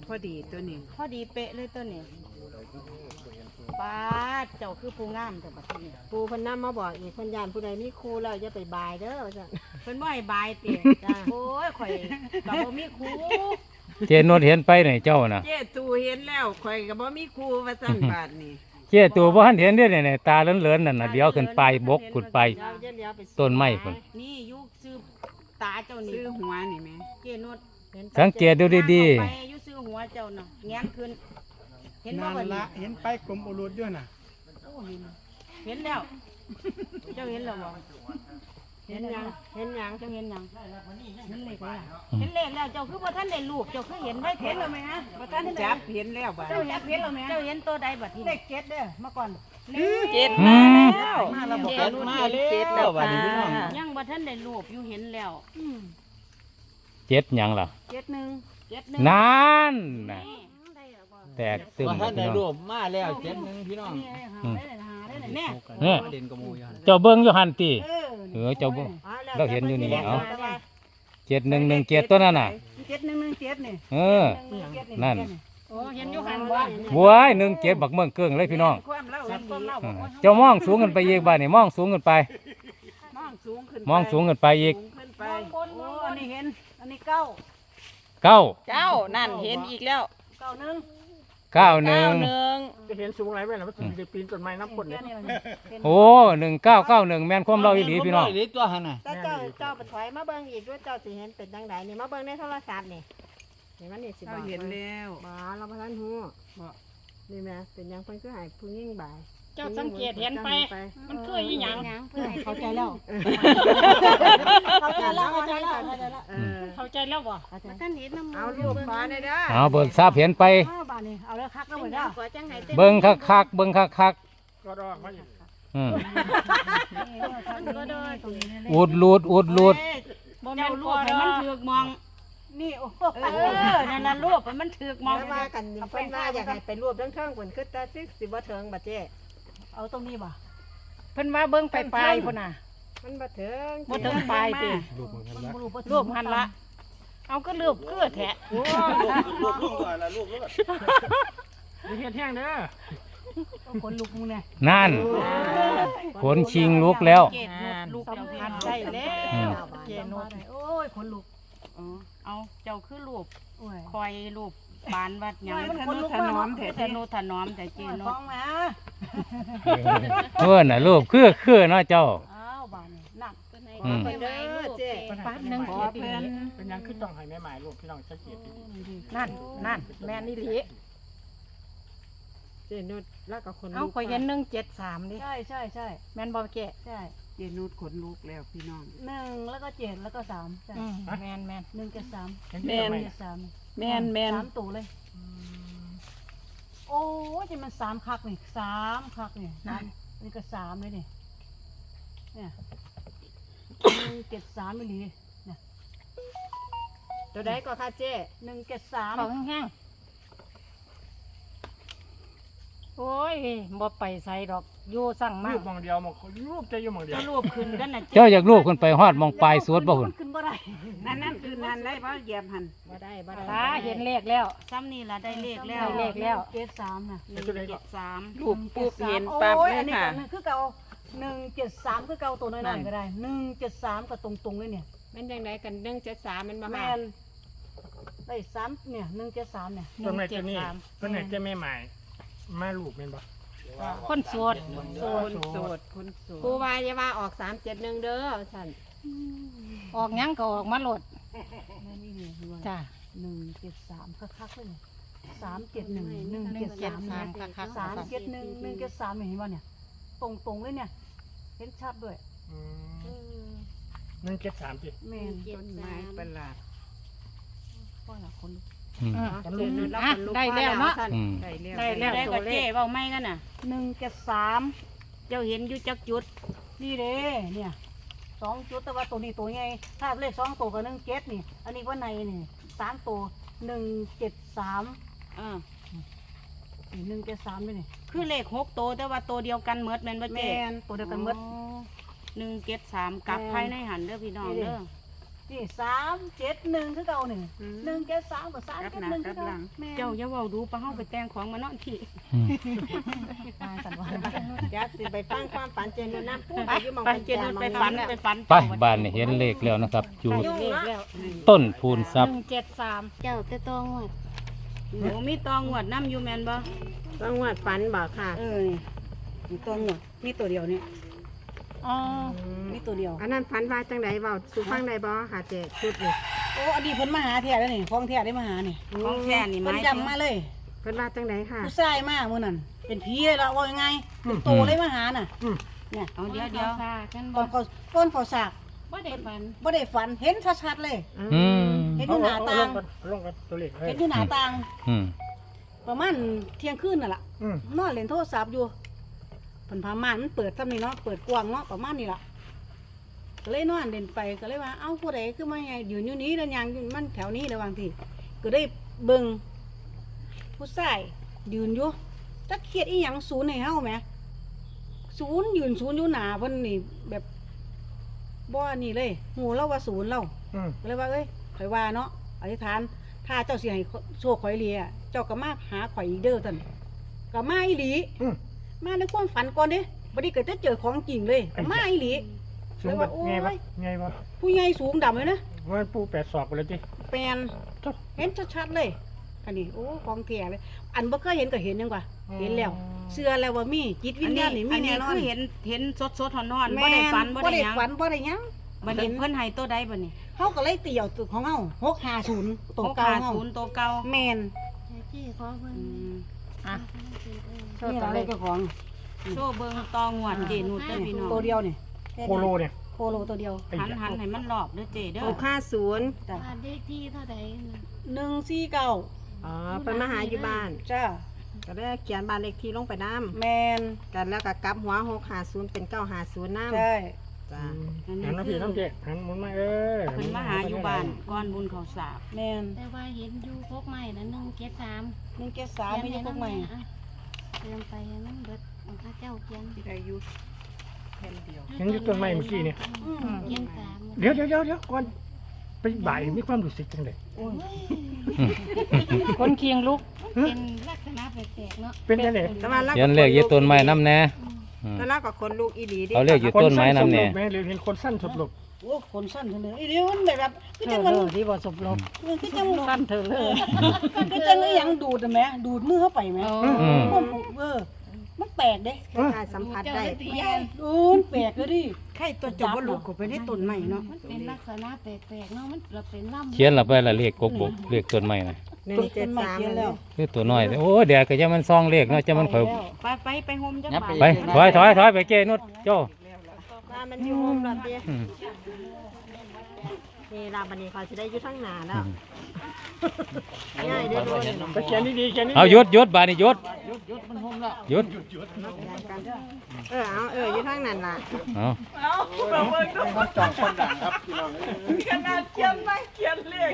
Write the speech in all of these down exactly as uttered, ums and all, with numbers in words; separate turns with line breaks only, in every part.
พอดีตัวนี้
พอดีเป๊ะเลยตัวนี้ป้าเจ้าคือผู้งามแต่บัดนี้ปูเพิ่นนำมาบอกอีกเพิ่นย่านผู้ใดมีครูแล้วอย่าไปบายเด้อจ้ะเพิ่นบ่ให้บายติจ้าโอ้ยข่อยก็บ่มีครู
เจนวดเห็นไปไหนเจ้าน่ะ
เจ๊ตูเห็นแล้วข่อยก็บ่มีครูว่าซั่นบาดนี้
เจตัวบ่ทันเห็นเด้อเนี่ยตาเหลือนๆนั่นน่ะเดี๋ยวขึ้นไปบกขึ้นไปต้นไม้พุ่น
นี่อยู่ซื้อตาเจ้านี่
ซื้อหัวนี่แม่
เจนวด
สังเกตดูดี
ๆไปอยู่ซื้อหัวเจ้าน่ะแง้มขึ้นเห็นบ่บัดนี้
เห็นไปกรมอุรุด้วยน่ะ
เห็นแล้วเจ้าเห็นแล้วบ่เห็นยังเห็นยังเจ้าเห็นยังเห็นเลขแล้วเห็นเลขแล้วเจ้าคือบ่ทันได้รูปเจ้าคือเห็นได้เห็นแล้วมั้ยฮะบ่ทันได้
จับเห็นแล้วบาด
เจ้าเห็นเห็นแล้วมั้ยเจ้าเห็นตัวใดบัดนี้เลขเจ็ดเด้อมาก่อน
เจ็ด
มา
แล้วมาแล้วบ่รู้มาเจ็ดแล้วบาดนี้พี่น้อง
ยังบ่ทันได้รูปอยู่เห็นแล้ว
เจ็ดหยังล่ะ
เจ็ดหนึ่งเจ็ดหนึ่ง
นั่นน่ะแตกตึม
ท่านได้รวบมาแล้วเจ็ดหนึ่งพี่น้อง
เนี่ยเจ้าเบิ้งอยู่หันตีเออเจ้าเบิ้งเราเห็นอยู่นี่เอาเจ็ดหนึ่งหนึ่งเจ็ดตัวนั่นน่ะ
เจ็ดหนึ่งหนึ่งเจ็ดนี่
เออนั่น
โอ้เห็นอยู่หันบ้าน
บัวหนึ่งเจ็ดบักเมืองเกิ้งเลยพี่น้องเจ้ามองสูงกันไปอีกบ้านนี่มองสูงกันไป
มองสูงขึ้น
มองสูงกันไปอีก
โอ้อันนี้เห็นอันนี้เก้า
เก้า
เก้านั่นเห็นอีกแล้ว
เก้าหนึ่ง
เก้าหนึ่ง
จะเห็นสูงไรไหมล่ะมันจะปีนต้นไม้น้ำพ่นเนี่ย
โอ้หนึ่งเก้าเก้าหนึ่งแม่นความเราอีหลีพี่น้อง
ตัวหันน่ะ
เจ้าเจ้าไปถอยมาเบิ้งอีกด้วยเจ้าสิเห็นเป็นจังไดนี่มาเบิ้งในโทรศัพท์นี่เห็นมันนี่สิบอก
เห็นแล้ว
บ่เราบ่ทันฮู้บ่นี่แม่เป็นยังเพิ่นคือให้ผู้หญิงบ่าย
เจ้าสังเกตเห็นไปมันคืออีหยัง
เพื่อให้เข้าใจแล้วเข้าใจแล้วเข้าใจแล้ว
เข้าใจแล้วบ่
ท่านเห็นน้ำเอาลูกฟ้าได้เด้อ
เอาเบิกทราบเห็นไป
เอาแล้วคักแล้วเหมือนเด้อ
เบิ้งคักคักเบิ้งคักคัก
ก็ดอกมาอีก
อุดลูดอุดลูด
บ่แม่นลูกให้มันถือกมองนี่โอ้เออนั่นน่ะรูปมันถือกมองว่ากันเพิ่นว่าอยากให้ไปรวบเทิงๆเพิ่นคือตาซิสิบ่เทิงบัดเจ้เอาตรงนี้บ่
เพิ่นว่าเบิ่งไปปลายพุ่นน่ะ
มันบ่เทิง
บ่เทิงปลายติรูปหันละเอาก็รูปคือแท้
โอ้รูปรูปก่อนละรูปรูป
มีเห็ดแห้งเด้อ
ขนลุกมึงเนี่ย
นั่นขนชิงลุกแล้ว
ลูกสัมผัสได้แล้วเจนดโอ้ยขนลุกเอาเจ้าคือรูปคอยรูปบานวัดหยังทนุถนอมแท้ทนุถนอมแต่เจนด
เพื่อนน่ะรูปคือคือเนาะเจ้า
อ้าวบานหนัก
อืม
เด้อเจ๊ปาดนึงเกียรติ
เป็นยังคือต้องให้แม่หมายลูกพี่น้องจะเกียรติ
นั่นนั่นแม่นี่หลี
เจนุดแล้วก็คน
เอาข่อยเห็นหนึ่งเจ็ดสามดิ
ใช่ใช่ใช่
แม่นบ่แก่
ใช่
เจนุดขนลุกแล้วพี่น้อง
หนึ่งแล้วก็เจ็ดแล้วก็สามใช่
แม่นแม่น
หนึ่งเจ็ดสาม
แม่น
สาม
แม่นแม่น
สามตัวเลยโอ้ยจะมันสามคักนี่สามคักนี่นั่นนี่ก็สามเลยนี่เนี่ยหนึ่งเจ็ดสามไม่หลีเนี่ยตัวใดก็ค่ะเจ๊หนึ่งเจ็ดสาม
เขาแห้งโอ้ยบ่ไปใส่ดอกอยู่สั่งมาก
รูปมองเดียวมองรูปจะอยู่มองเดียว
รูปขึ้นกันน่ะ
เจ้าอยากรูปขึ้นไปฮอดมองปลายสวดบ่หุ่น
ขึ้นบ่ได้
นั่นนั่นคือนั่นได้บ่เหยียบหัน
บ่ได้บ่ได้
ตาเห็นเลขแล้ว
ซ้ำนี่ล่ะได้เลขแล้ว
เลขแล้ว
เจ็ดสามน่ะหนึ่งเจ็ดสาม
รูปปุ๊บเห็นปั๊บเลยค่ะ
คือเก่าหนึ่งเจ็ดสามคือเก่าตัวน้อยๆก็ได้หนึ่งเจ็ดสามก็ตรงๆเลยเนี่ย
แม่นยังไงกันหนึ่งเจ็ดสามมันมา
แม่นได้สามเนี่ยหนึ่งเจ็ดสามเนี่ย
ต้นไม้ต้นนี้ต้นไหนจะไม่หมายมาลูกเป็นบ่
คนโสด
โสดโสดคนโสด
ครูวายว่าออกสามเจ็ดหนึ่งเด้อสันออกยังก็ออกมาโหลดจ้า
หนึ่งเจ็ดสามคักๆเลยสามเจ็ดหนึ่งหนึ่งเจ็ดสามคักๆสามเจ็ดหนึ่งหนึ่งเจ็ดสามเห็นป่ะเนี่ยตรงๆเลยเนี่ยเห็นชัดด้วย
หนึ่งเจ็ดสามจิ
แม่น
ต้นไม้ประหลาด
พ่อละคน
ได้แล้วเนาะ
ได้แล้วได้ก็เจ๊เว้าไม่กันน่ะหนึ่งเจ็ดสามเจ้าเห็นอยู่จักจุดนี่เด้เนี่ยสองจุดแต่ว่าตัวนี้ตัวไงถ้าเลขสองตัวกับหนึ่งเจ็ดนี่อันนี้ว่าในนี่สามตัวหนึ่งเจ็ดสามอ่าหนึ่งเจ็ดสามด้วยนี่คือเลขหกตัวแต่ว่าตัวเดียวกันเมดแม่นบ่เจ๊ตัวเดียวกันเมดหนึ่งเจ็ดสามกลับภายในหันเด้อพี่น้องเด้อนี่สามเจ็ดหนึ่งคือเก่าหนึ่งหนึ่งเจ็ดสามกับสามเจ็ดหนึ่งคือเก่าแม่
เจ้าอย่าเว้าดูปะเฮาไปแต่งของมานอนที่
อืม
มาสันวัน
เดี๋ยวสิไปฟังความฝันเจนน้ำพูด
ไป
อยู่หมอง
ไปเจนุชไปฝันไปฝัน
ไปบ้านนี่เห็นเลขแล้วนะครับอยู่
เลขแล้ว
ต้นพูนทรัพย์
หนึ่งเจ็ดสามเจ้าแต่ตองวด
หนูมีตองหวดน้ำอยู่แมนบ่
ต้องวัดฝันบอกค่ะ
เออนี่มีตองหวดมีตัวเดียวนี่
อ๋อ
มีตัวเดียว
อันนั้นฝันว่าจังไดเว้าสู่ฟังได้บ่ค่ะเจ๊ชุดนี่
โอ้อดีตเพิ่นมาหาแท้แล้วนี่ของแท้ได้มาหานี่
ของแท้นี่
เพิ่นจำมาเลย
เพิ่นว่าจังไดค่ะ
ผู้ชายมามื้อนั้นเป็นผีเลยละว่ายังไงเป็นโตเลยมาหาน่ะเนี่ย
เอาเดี๋ยวเดี๋ยว
ตอนเขาต้นเขาสาก
บ่ได้ฝัน
บ่ได้ฝันเห็นชัดๆเลย
อืม
เห็นอยู่หน้าต่าง
ลงกับตัวเลขเฮ้
เห็
ย
นอยู่หน้าต่าง
อืม
ประมาณเที่ยงคืนน่ะล่ะ
อืม
นอนเล่นโทรศัพท์อยู่เพิ่นพาม่านมันเปิดซ้ำนี่เนาะเปิดกว้างเนาะประมาณนี้ล่ะก็เลยนอนเล่นไปก็เลยว่าเอ้าผู้ใดคือมาไงยืนอยู่นี้แล้วยังอยู่มันแถวนี้ระหว่างที่ก็ได้เบิ่งผู้ชายยืนอยู่จักเขียดอีหยังศูนย์ให้เฮาแหมศูนย์ยืนศูนย์อยู่หน้าเพิ่นนี่แบบบ่นี่เลยหูเราว่าศูนย์เรา
อืม
ก็เลยว่าเอ้ยข่อยว่าเนาะอธิษฐานถ้าเจ้าสิให้โชคข่อยเลียเจ้าก็มาหาข่อยอีกเด้อท่านก็มาอีหลี
อืม
มาในความฝันก่อนเด้บ่ได้เกิดจะเจอของจริงเลยก็มาอีหลี
สูงแบบไงวะไงวะ
ผู้ใหญ่สูงดำเลยนะ
ว่าปูแปดศอกไปเลยจิ
แปลนเห็นชัดๆเลยอันนี้โอ้ของแท้เลย อันบ่เคยเห็นก็เห็นยังกว่าเห็นแล้วเชื่อแล้วว่ามีจิตวิญญาณนี่มีแน่นอน
คือเห็นเห็นสดสดๆร้อนๆ
แม่
บ่ได้ฝันบ่
บ่
ได้
ได้
หยัง
ฝันบ่ได้หยัง
บัดนี้เพิ่นให้ตัวใดบัดนี้
เฮาก็เลยเตี่ยวตัวของเฮาหกห้าศูนย์ตัวเก่าเฮา
ศูนย์ตัวเก่า
แม่น
จี้ขอเบิ่ง
อ่ะ
โช
นี่
ว์ตัว
ล่ะ
เล
เลย
ข
เจ้าของ
โชว์เบิ่งตองหวดเจนุชเด้อพี่น้อง
ตัวเดียวนี่
โคโลเนี่ย
โคโลตัวเดียว
ไอ้
หัน
เหี้ย
หันให้มันรอบเด้อเจเด้อ
หกห้าศูนย์
จ้ะ
บ้านเลขที่เท่าใดน่ะ
หนึ่งสี่เก้า
อ๋อเพิ่นมาหาอยู่บ้าน
จ้า
ก็ได้เขียนบ้านเลขที่ลงไปน้
แมน
ำกันแล้วก็กลับหัวหกห้าศูนย์เป็นเก้าห้าศูนย์น้ำ
ใช่
จ้า
หันน้ำพี่น้ำเจ๊หันหมุนมาเออ
เพิ่นมาหาอยู่บ้านก่อนบุญเขาสาบ
แมน
แต่ว่าเห็นอยู่พกใหม่ละหนึ่งเจ็ดสาม
หนึ่งเจ็ดสามไม่ใช่พวกใหม่
เติมไปให้มันเบิดของข้าเจ้าเขียน
ที่ได้อยู่
เห็นอยู่ต้นไม้เมื่อกี้เนี่ย
อืม
เขียนสาม
เดี๋ยวเดี๋ยวเดี๋ยวเดี๋ยวก่อนไปบ่ายมีความรู้สึกจังเลย
คนเคียงลุก
เป็นลักษณะแปลกๆเนาะ
เป็นจังเลย
แต่ว่าเรา
เขียนเลขอยู่ต้นไม้น้ำแน่อืม
แล้วเราก็คนลูกอีหลีดิ
เอาเลขอยู่ต้นไม้น้ำแน่
คสั้สบลบไหมหรือเห็นคนสั้นสบลบ
โอ้คนสั้นจังเลยไอ้เดี๋ยวมันแบบแบบคือจังมัน
ที่บ่สบลบ
คือจัง
สั้นเถอะเลย
คือจังไอ้หยังดูดอะแหมดูดมือเข้าไปไหม
อืม
มันเออมันแปลกเด้
ได้สัมผัสได้
แม่นดูมันแปลกเลยดิใครตัวจบว่าลูกก็ไปได้ต้นใหม่เนาะ
มันเป็นลักษณะแปลกๆเนาะมันเราเป็นล่ำ
เขียนละไปละเลขกกบกเลขต้นไม้นะ
หนึ่งเจ็ดสาม
เขียนแล้ว
คือตัวน้อยโอ้เดี๋ยวก็จะมันซองเลขเนาะจะมันข่อย
ไปไปไปโฮมจัง
ยับ
บา
ไป
ท
ไปถอยถอยถอยไปเจนุชโจ้
ว่ามันอยู่มุมรถดิ
อืม
นี่ลาบันนี้เขาจะได้อยู่ทั้งหนาแล้วง่ายเด้อโดน
ไปเขียนดีๆเขียนดีๆ
เอาหยุดหยุดบาดนี่หยุดหยุด
เออเอาเอออยู่ทั้งนั้นล่ะ
เอา
ขนาดเขียนไม่เขียนเลข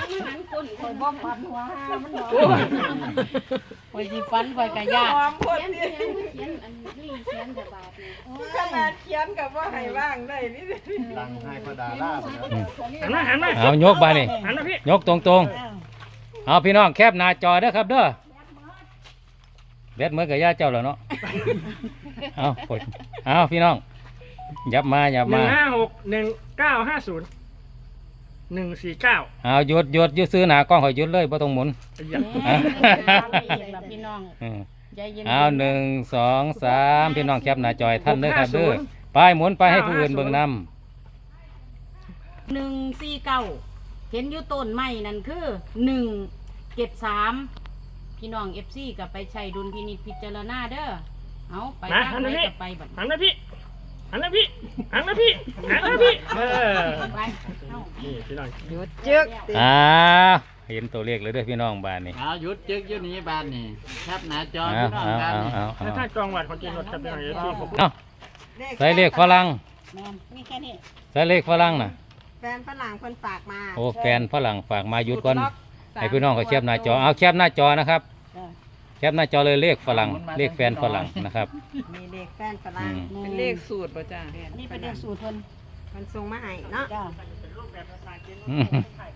คอยสิฝันคอยกะยาก
เขียนเขียนเขียนอันนี้เขียนแต่บาทนี่
ขนาดเขียนกับว่าให้ว่างได้นี่
ดังให้พดาล่า
หันมาหันมา
เอายกบาดนี่
หันมาพี่
ยกตรงตรงๆเอาพี่น้องแคบหน้าจอเด้อครับเด้อแบดเหมือนกับย่าเจ้าแล้วเนาะเอาปดเอาพี่น้องยับมายับ
หนึ่
มาง
ห้าหกหนึ่งเก้าห้าศูนย์หนึ่งสี่เก้า
เอาหยุดหยุดหยุดซื้อหนากล้องข่อยหยุดเลยบ่ต้องหมุน
ละพี่น้อง
อืม
ใจเย็น
เอาหนึ่งสองสามพี่น้องแคบหน้าจอยท่านเด้อครับเด้อไปหมุนไปให้ผู้อื่นเบิ่งนำ
หนึ่งสี่เก้าเห็นอยู่ต้นไม้นั่นคือหนึ่งเจ็ดสามพี่น้องเอฟซีกับไปใช้ดุลพินิจพิจารณาเด้อเอาไปทางไหนก็ไปบัด
หันมาพี่หันมาพี่หันมาพี่หันมาพี่เออ
ไปเอา
นี่พี่น้อง
หยุดจึก
อ่าเห็นตัวเลขเลยเด้อพี่น้องบ้านนี่
เอาหยุดจึกอยู่นี้บ้านนี่ครับหน้าจอ
เอา
พี่น้อง
เอา
บ้าน
เอา
นี่
เอาเอา
ถ้าถ้ากองวัดของจีนรถครับพี่น้องเอฟซีผม
เอาใส่เลขฝรั่ง
แมนมีแค่นี้
ใส่เลขฝรั่งน่ะ
แฟนฝรั่งคนฝากมา
โอ้แฟนฝรั่งฝากมาหยุดก่อนให้พี่น้องเขาแคบหน้าจอเอาแคบหน้าจอนะครับ
จ้ะ
แคปหน้าจอเลยเลขฝรั่งเลขแฟนฝรั่งนะครับ
มีเลขแฟนฝรั่ง
อืม
เป็นเลขสูตรป่ะจ้า
นี่เป็นเรื่องสูตรเพิ่น
มันส่งมาให้เนาะ
จ้า
อืม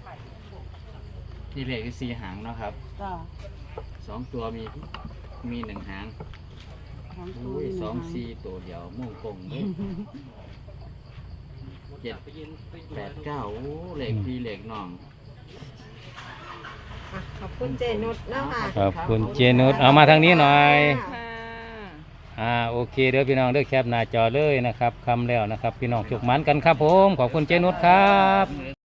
นี่เลขคือสี่หางเนาะครับ
จ้า
สองตัวมีมีหนึ่งหาง
สองตัว
อุ้ย
นี่นะ
สองสี่ตัวเดียวมุ่งกงเลยเจ็ดแปดเก้าโอ้เลขพี่เลขน้อง
อ่ะขอบคุณเจนุชเนาะค่ะ
ขอบคุณเจนุชเอามาทางนี้หน่อย
ค่ะ
อ่าโอเคเด้อพี่น้องเด้อแคปหน้าจอเลยนะครับคำแล้วนะครับ พี่น้องจุกหมันกันครับผมขอบคุณเจนุชครับ